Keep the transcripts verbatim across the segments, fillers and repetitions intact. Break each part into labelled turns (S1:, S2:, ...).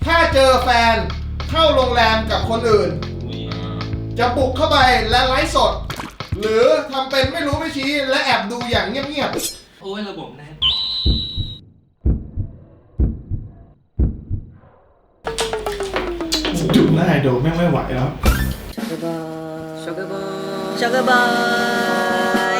S1: ถ้าเจอแฟนเข้าโรงแรมกับคนอื่นจะบุกเข้าไปและไลฟ์สดหรือทำเป็นไม่รู้ไม่ชี้และแอบดูอย่างเงียบๆ
S2: โอ้ยระบบแน่น
S1: จุดหน้าดูแม่งไม่ไหวแล้ว
S3: ช็อกเกอร์บอยช็อกเกอร์บอย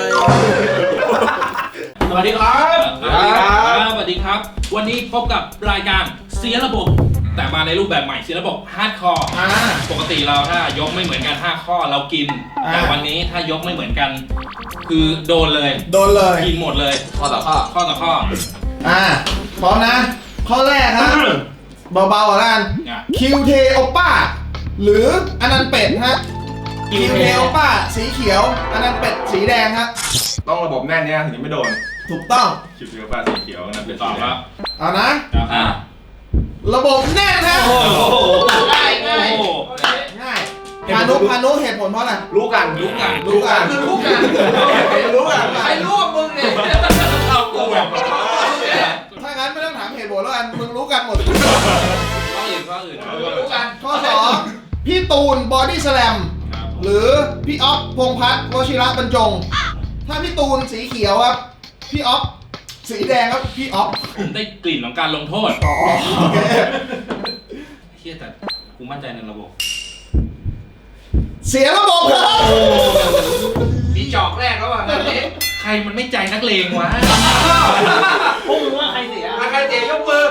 S2: สวัสดีครับสวัสดีครับสวัสดีครับวันนี้พบกับรายการเสียระบบแต่มาในรูปแบบใหม่เสียระบบฮาร์ดคอร์ปกติเราถ้ายกไม่เหมือนกันห้าข้อเรากินแต่วันนี้ถ้ายกไม่เหมือนกันคือโดนเลย
S1: โดนเลย
S2: กินหมดเลยข้อต่อข้อข้อต่อข้อ
S1: อ่าพร้อมนะข้อแรกครับเบาๆก่อนกันคิวเทโอป้าหรืออนันต์เป็ดฮะคิวเทโอป้าสีเขียวอนันต์เป็ดสีแดงฮะ
S4: ต้องระบบแน่นเนี่ยถึงจะไม่โดน
S1: ถูกต้อง
S4: คิวเทโอป้าสีเขียวอนันต์เป็ดสีแดง
S1: เอานะระบบแน่นฮะ
S2: ง่ายง่าย
S1: ง่ายพานุพานุเหตุผลเพราะอะไร
S4: รู้กันรู้กัน
S1: รู้กัน
S2: รู้กัน
S1: รู้กัน
S2: ใครรู้มึงเนี่ยเอากูแบบ
S1: ถ้างั้นไม่ต้องถามเหตุผลแล้วกันมึงรู้กันหมด
S2: ข้ออื่นข้ออื่น
S1: รู้กันข้อสองพี่ตูนบอดี้สแลมหรือพี่อ๊อฟพงษ์พัฒน์วชิระบรรจงถ้าพี่ตูนสีเขียวครับพี่อ๊อฟสีแดงครับพี่อ๊อฟ
S2: ผมได้กลิ่นของการลงโทษ
S1: อ๋อโอเค
S2: เฮียแต่กูมั่นใจในระบบ
S1: เสียระบบครับ
S2: มีจอกแรกแล้วอ่ะแบบนี้ใครมันไม่ใจนักเลงวะพวกมึงว่าใครเสียใครเสียยกมือ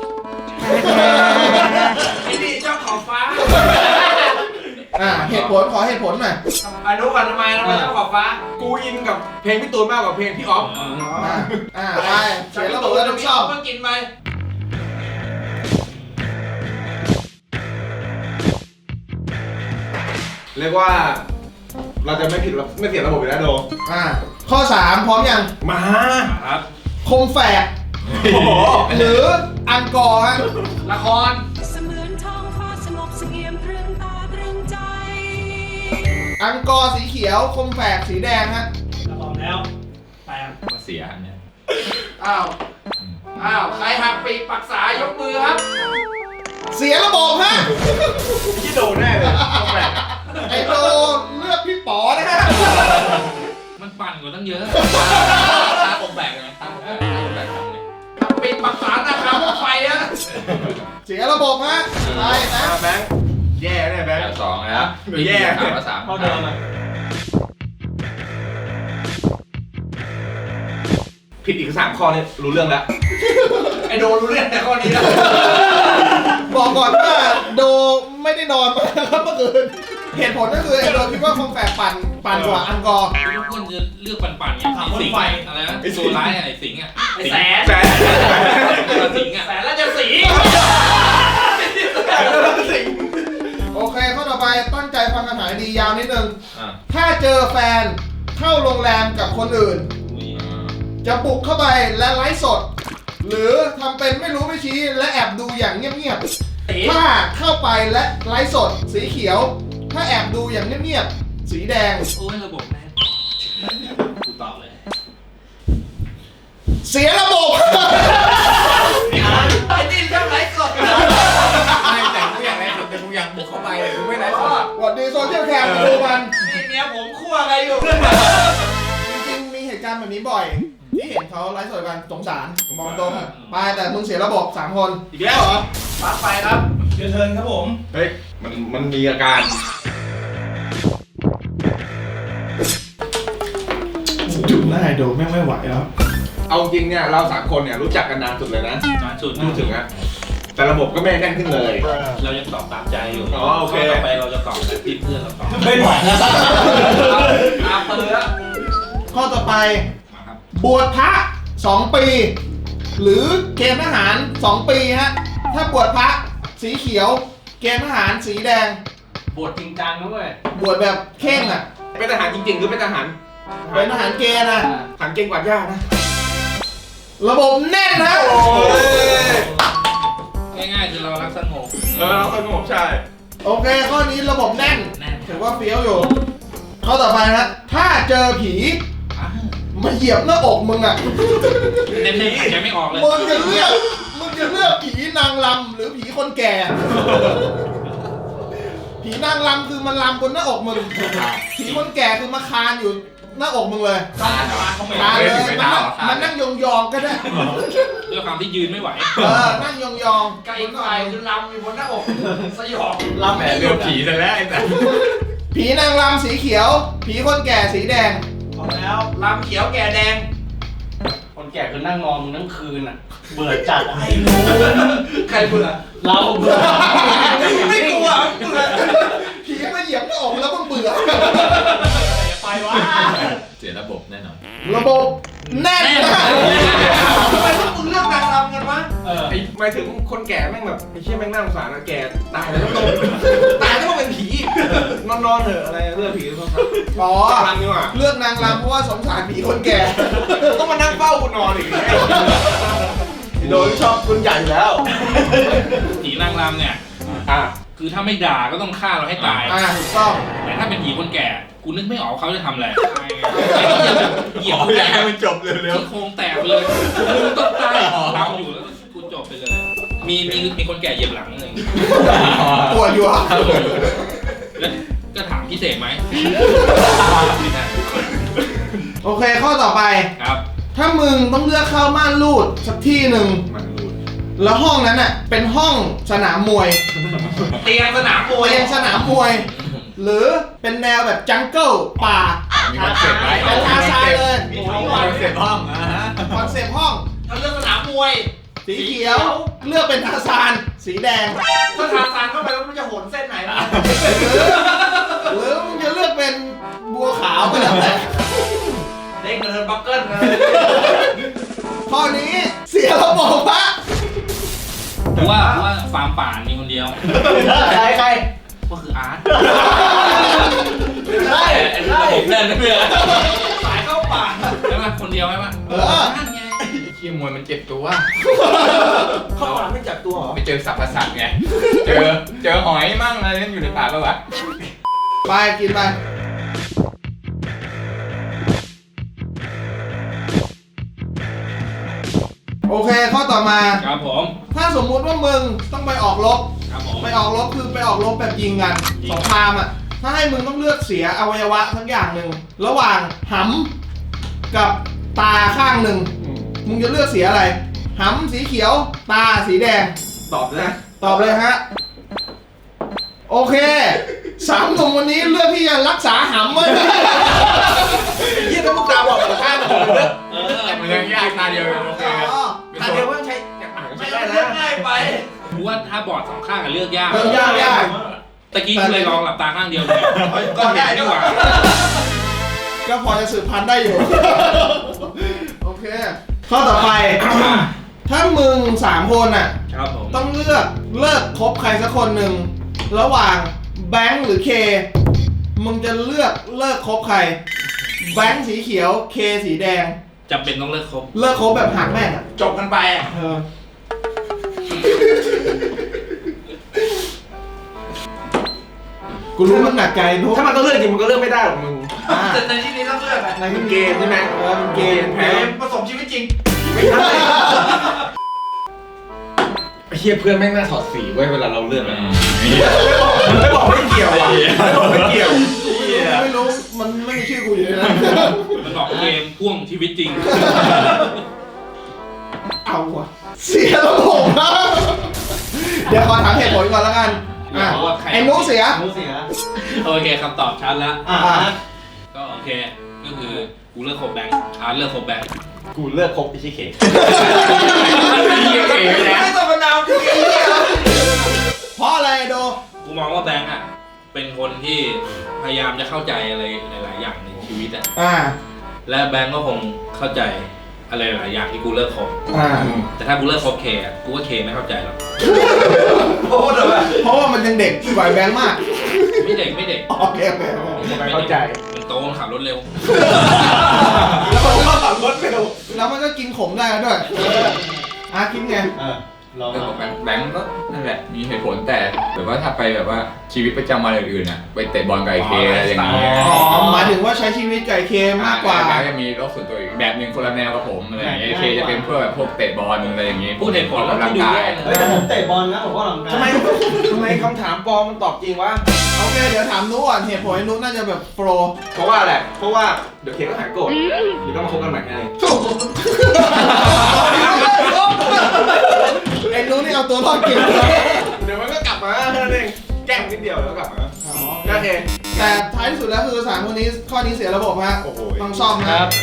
S2: ไอ้นี่เจ้าของฟ้า
S1: อ่าเหตุผลขอเหตุผลหน่อย
S2: อนุกันทำไมทำไมเจ้าของฟ้า
S4: กูอินกับเพลงพี่ตูนมากกว่าเพลงพี่อ๊อฟ
S1: อ่าไปเสียระบบแล้วต้องชอบ
S2: ก็กินไป
S4: เรียกว่าเราจะไม่ผิดไม่เสียระบบอยู่แล้วโด
S1: อ่าข้อสามพร้อมยัง
S4: มา
S2: ครับ
S1: คมแฝกหรืออังกอร์ฮะ
S2: ละคร
S5: เสมือนท้องฟ้าสงบเสงี่ยมตรึงตาตรึงใจ
S1: อังกอร์สีเขียวคมแฝกสีแดงฮะ
S2: พร้อมแล้วไปมาเสียอันเนี้ยอ้าวอ้าวใครหักปีกปักษายกมือครับ
S1: เสียระบบฮะ
S4: พี่โดนแน่เลยคมแฝก
S1: ไอโดเลือกพี่ป๋อนะฮะ
S2: มันปั่นกว่าตั้งเยอะตาคมแฝกไงตาคมแฝกตาคมแฝกทำไงปีกปักษานะครับพวกไฟอะ
S1: เสียระบบฮะไปนะ
S4: แบงค์แย่แน่แบงค์
S2: สองแล้ว
S4: แย่
S2: สามสามเข้าเดิมเลย
S4: ผิดอีกสามข้อนี่รู้เรื่องแล้ว
S2: ไอโดรู้เรื่องแต่ข้อนี้แล้ว
S1: บอกก่อนว่าโดไม่ได้นอนมาครับเมื่อคืนเหตุผลก็คือไอโดคิดว่าคงแฝกปั่นปั่นกว่าอังกอร์
S2: ทุกคนจะเลือกปั่นๆอย่างสิงห์อะไรนะโซร้ายอะไรสิงห์อ่ะแสน
S4: แสน
S2: สิงห์อ่ะแสนแล้วจะสิงห์
S1: โอเคข้อต่อไปตั้งใจฟังคำถามดียาวนิดนึงถ้าเจอแฟนเข้าโรงแรมกับคนอื่นจะบุกเข้าไปและไลฟ์สดหรือทำเป็นไม่รู้ไม่ชี้และแอบดูอย่างเงียบๆถ้าเข้าไปและไลฟ์สดสีเขียวถ้าแอบดูอย่างเงียบๆสีแดง
S2: โอ้ยระบบแน่กูตอบเลย
S1: เสียระบบ
S2: ไอ้นี่ชอบไลฟ์สด
S4: ไม่แต่กูอยากไลฟ์สดแต่กูอยากบุกเข้าไปกูไม่ไลฟ์สด
S1: สวัสดีโซเชียลแคมดูมัน
S2: นี่เมียผมคั่วอะไรอยู่
S1: จริงๆมีเหตุการณ์แบบนี้บ่อยที่เห็นเขาไลฟ์สดกันสงสารมองตรงไปแต่มึงเสียระบบสามคน
S4: อีกแล้วเหรอ
S2: ปั๊บไปครับ
S1: เดี๋ยวเทิร์นครับผม
S4: เฮ้ยมันมันมีอาการ
S1: จุดหน้าดูแม่งไม่ไหวแล้ว
S4: เอาจริงเนี่ยเราสามคนเนี่ยรู้จักกันนานสุดเลยนะ
S2: นานสุด
S4: พูดถึงอะแต่ระบบก็ไม่แน่นขึ้นเลย
S2: เรายังตอบตามใจอยู่
S4: อ๋อโอเค
S2: ต่อไปเราจะตอบแบบที่เพื่อนเราตอบ
S1: ไม่ไหวแล้ว
S2: ตามเตือน
S1: ข้อต่อไปบวชพระสองปีหรือเกณฑ์ทหารสองปีฮะถ้าบวชพระสีเขียวเกณฑ์ทหารสีแดง
S2: บวชจริงจังด้วย
S1: บวชแบบเข่งอ่ะ
S4: เป็นทหารจริงๆหรือเป็นทหาร
S1: เป็นทหารเกณฑ์นะ
S4: ทหารเก่งกว่าย่านะ
S1: ระบบแน่นนะ
S2: ง่ายๆคือเรารักสงบ
S4: เออเราสงบใช่
S1: โอเคข้อนี้ระบบแน่นถือว่าเฟี้ยวอยู่ข้อต่อไปนะถ้าเจอผีมาเหยียบหน้าอกมึงอ่ะ
S2: เน้นๆหายใจไม่ออกเลย
S1: มึงจะเลือกมึงจะเลือกผีนางรำหรือผีคนแก่ ผีนางรำคือมันรำบนหน้าอกมึง ผีคนแก่คือมาคานอยู่หน้าอกมึงเลย
S2: ตาตาเขาไม่
S1: คานเลยมันนั่งมันนั่งยองๆก็ได้
S2: ด้วยความที่ยืนไม่ไหว
S1: เออ นั่งยองๆ
S4: ไก่ไฟคือลำอยู่บนหน้าอกสยอง
S1: รำ
S4: แหม
S1: ไม่ห
S4: เรื
S1: ยุ
S4: อ
S1: ด
S4: ผีซะแล้วไอ้แต่
S1: ผีนางรำสีเขียว ผีคนแก่สีแดง
S6: พอแล้ว
S4: ลำเขียวแก่แดง
S6: คนแก่คือนั่งนอนมึงทั้งคืนอ่ะ เบื่อจัดไอ้หนู
S4: ใครเบื่อ
S6: เราเบื่อ
S4: ไม่กลัวเบื่อ
S1: ผีมาเหยียบหน้าอกแล้วมึงเบื่อ
S6: ไปวะ
S4: เสียระบบแน่นอน
S1: ระบบแน่นมาก
S4: ทำไมพวกมึงเลือกนางรำกันวะ
S6: เออ
S7: ไอ้หมายถึงคนแก่แม่งแบบไอ้เชี่ยแม่งน่าสงสารนะแก่ตายแล้วต้อง
S4: ตายแล้วต้องเป็นผี
S7: นอนนอนๆเถอะอะไรเรื่องผีเขาครับ
S1: อ๋อ
S7: รำดีกว่า
S1: เลือกนางรำเพราะว่าสงสารผีคนแก่
S7: ต้องมานั่งเฝ้ากูนอนอีกโดนชอบคุณใหญ่อยู่แล้ว
S2: ผีนางรำเนี่ย
S7: อ่ะ
S2: คือถ้าไม่ด่าก็ต้องฆ่าเราให้ตาย
S1: อ่าถูกต้อง
S2: แต่ถ้าเป็นผีคนแก่ กูนึกไม่ออกเขาจะทำอะไรเหยียบ
S4: อ๋อ
S2: แต
S4: อยาก
S2: ก
S4: ให้มันจบเร็ว
S2: ที่โครงแตกไปเลยมึงต้องตายทำอยู่แล้วกูจบไปเลย มีมีมีคนแก่เหยียบหลังหนึ่ง
S1: ปวดอยู่อ่ะ
S2: แล้วก็ถามพิเศษไหม
S1: โอเคข้อต่อไป
S2: ครับ
S1: ถ้ามึงต้องเลือกเข้าม่านรูดสักที่หนึ่ง
S4: ๆมันรูด
S1: แล้วห้องนั้นน่ะเป็นห้องสนามมวย
S4: เตียงสนามมวย
S1: เตียงสนามมวย หรือเป็นแนวแบบจังเกิลป่า
S4: มีคอนเซ็ปต์ไหม
S1: เป็นทาซานเลย
S4: มีคอนเซ็ปต์ห้องอ่ะฮะ
S1: คอนเซปต์ห้อง
S4: ถ้าเลือกสนามมวย
S1: สีเขียวเลือกเป็นทาซานสีแดง
S4: ถ้าทาซานเข้าไปแล้วมันจะโหนเส้นไหนล่ะ
S1: หรือมึงจะเลือกเป็นบัวขาวก็แล้วแต่
S4: เด้งเดินบักเกิ้ลเลย
S1: ข้อนี้เสียระบบปะ
S2: กูว่ากูว่าฟาร์มป่านมีคนเดียว
S6: ใครใคร
S2: ก็คืออาร์ต
S6: ได้
S2: ระ
S6: ได้
S2: บบแน่นนะเพื่อน
S4: สายเข้าป่า
S2: ใช่ไหมคนเดียวใช่ไหม
S1: เออ
S2: นั่นไง
S4: เชี่ยมวยมันเจ็บตัว
S7: เข้าป่าไม่จับตัวเหรอ
S4: ไปเจอสัตว์ประสาทไง เจอเจอหอยมั่งอะไรนั่นอยู่ในป่าปะวะ
S1: ไปกินไปโอเคข้อต่อมา
S2: ครับผม
S1: ถ้าสมมุติว่ามึงต้องไปออกรบ
S2: ครับผม
S1: ไปออกรบคือไปออกรบแบบยิงกันสงครามอ่ะ ถ้าให้มึงต้องเลือกเสียอวัยวะทั้งอย่างหนึ่งระหว่างหำกับตาข้างหนึ่งมึงจะเลือกเสียอะไรหำสีเขียว ตาสีแดง
S7: ตอบนะ
S1: ตอบเลยฮะ โอเคสามหนุ่มวันนี้เลือกที่จะรักษาหำไว้
S7: เยี่ยถ้ามึงตาบอกกับข้างผมเลย
S2: เออ
S4: มันยังยากตาเดียวเลยโอเค
S1: อ๋อ
S7: ตาเดียวว่าใช้อ่านก็
S4: ไม่
S7: ใช้
S4: ได้
S7: ได้
S4: เลือก
S7: นะ
S4: ง่ายไป
S2: กูว่าถ้าบอดสองข้างอะเลือกยาก
S1: เลือกยากยาก
S2: ตะกี้กูเลยลองหลับตาข้างเดียวเลยก็เห็นดีกว่า
S1: ก็พอจะสืบพันธุ์ได้อยู่ โอเค ข้อต่อไป ถ้ามึงสามคนอ่ะ
S2: ครับผม
S1: ต้องเลือกเลิกคบใครสักคนหนึ่งระหว่างแบงค์หรือเค มึงจะเลือกเลิกคบใคร แบงค์สีเขียวเคสีแดง
S2: จำเป็นต้องเลิกคบ
S1: เลิกคบแบบหักแม่งอ่ะ
S4: จบกันไปอ่ะ
S1: เออ กูรู้มันหนักใจนุ๊ก
S7: ถ้ามันต้องเลือกจริงมันก็เลือกไม่ได้หรอกมึง
S1: อ่า
S4: แต่ในที่นี้ต้องเลือกอะ
S1: ใน
S7: มันเกมใช่ไหม
S1: เออเป็นเกม
S7: แพ้
S4: เกมผสมชีวิตจริง
S7: ไม่ใช่ไอ้เฮียเพื่อนแม่งน่าถอดสีไว้เวลาเราเลือกอะมันไม่บอกไม่เกี่ยวอ่ะไม่บอกไม่เกี่ยว
S1: ไม่รู้ มันไม่มีชื่อกูอยู่ในนั้น
S2: มันบอกเกมพ่วงชีวิตจริง
S1: เอาวะเสียระบบนะเดี๋ยวขอถามเหตุผลก่อนแล้วกันอ่ะ
S2: เดี๋ยวว่าใคร
S1: ไอ้นุ๊กเสีย
S6: รู้เสีย
S2: โอเคคำตอบชัดแล้ว
S6: อ่า
S2: ก็โอเค ก็คือกูเลิกคบแบงค์อาร์ตเลิกคบแบงค์
S6: กูเลือกคบไอ้ชิเค
S4: ไม่ต้องมานาวพี่
S1: เพราะอะไรโด
S2: กูมองว่าแบงค์อ่ะ เป็นคนที่พยายามจะเข้าใจอะไรหลายๆอย่างในชีวิตอ่ะ
S1: อ่า
S2: และแบงค์ก็คงเข้าใจอะไรหลายอย่างที่กูเลิกคบ
S1: อ่า
S2: แต่ถ้ากูเลิกคบเคอะกูว่าเคไม่เข้าใจหรอก
S4: โอ้โหเดี๋ยวแบบ
S1: เพราะว่ามันยังเด็กกว่าแบงค์มาก
S2: ไม่เด็กไม่เด็ก
S1: โอเคโอเคโอเค
S2: ไม่
S7: เข้าใจ
S2: มันโตมันขับรถเร็ว
S1: แล้วมันก็ขับรถเร็วแล้วมันก็กินขมได้แล้วด้วยอ่ะคิดไง
S6: เออลอง
S4: เรื่องของ
S6: มา
S4: แบงค์ก็นั่นแหละมีเหตุผลแต่แบบว่าถ้าไปแบบว่าชีวิตประจำวันอื่นๆอ่ะไปเตะบอลไก่เคอะไรอย่างเงี้ย
S1: อ๋อหมายถึงว่าใช้ชีวิตไก่เคมากกว่า
S4: แบงค์จะมีโลกส่วนตัวอีกแบบหนึ่งคนละแนวกับผมอะไรอย่างเงี้ยเคจะเป็นเพื่อแบบพวกเตะบอลอะไรอย่างเงี้ย
S2: พูดเหตุผล
S4: ออก
S2: แล้ว
S4: กำลัง
S2: ที่ดู
S4: กา
S2: แย่
S4: ย
S2: เลย
S6: เฮ้ยแต่ผมเตะบอลนะผมก็หลังกาย
S7: ทำไมทำไมคำถามปลอมมันตอบจริงวะ
S1: โอเคเดี๋ยวถามนุก่อนเหตุผลนุน่าจะแบบโปร
S7: เพราะว่าอะไรเพราะว่าเดี๋ยวเคก็หายโกรธเดี๋ยวก็มาคบกันใหม่ไง
S1: ไอ้นุนี่เอาตัวรอดเก่ง
S7: เดี๋ยวมันก็กลับมาแค่นั้นเองแกล้งนิดเดียวแล้วก็กลับมาโอเค
S1: แต่ท้ายที่สุดแล้วคือสามคนนี้ข้อนี้เสียระบบฮะ
S7: โอ้โห
S1: ต้องซ่อม
S2: ค
S1: นะ
S2: รับ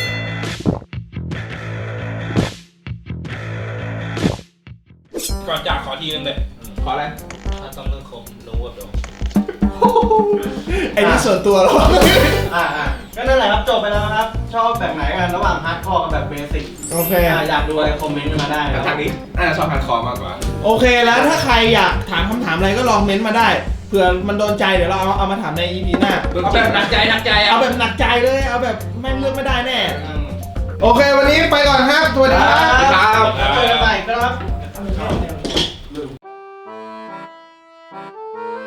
S2: ก่อนจากขอทีนึงเลย
S7: ขออะไร
S2: ถ้าต้องเรื่องคมรู้ว่าเดี๋ยว
S1: ไอ้นี่ส่วนตัวแล้ว
S6: อ่าอ่าก็นั่นแหละครับจบไปแล้วนะครับ ชอบแบบไหนกันระหว่างฮาร์ดคอร์กับแบบเบสิก
S1: โอเค
S6: อยากดูอะไรคอมเมนต์มาได้นะค
S7: แต่
S6: รับ
S7: ทางนี้น่าจะชอบฮาร์ดคอร์มากกว่า
S1: โอเคแล้วถ้าใครอยากถามคำถามอะไรก็ลองเม้นต์มาได้เผื่อมันโดนใจเดี๋ยวเราเอาเอามาถามใน อี พี หน้า
S2: เอาแบบหนักใจหนักใจ
S1: เอา
S2: เอา
S1: แบบหนักใจเลยเอาแบบแม่งเลือกไม่ได้แน่
S6: อืม
S1: โอเควันนี้ไปก่อนครับสวัสดีครับ
S6: ครับเจอกันใหม่ครับ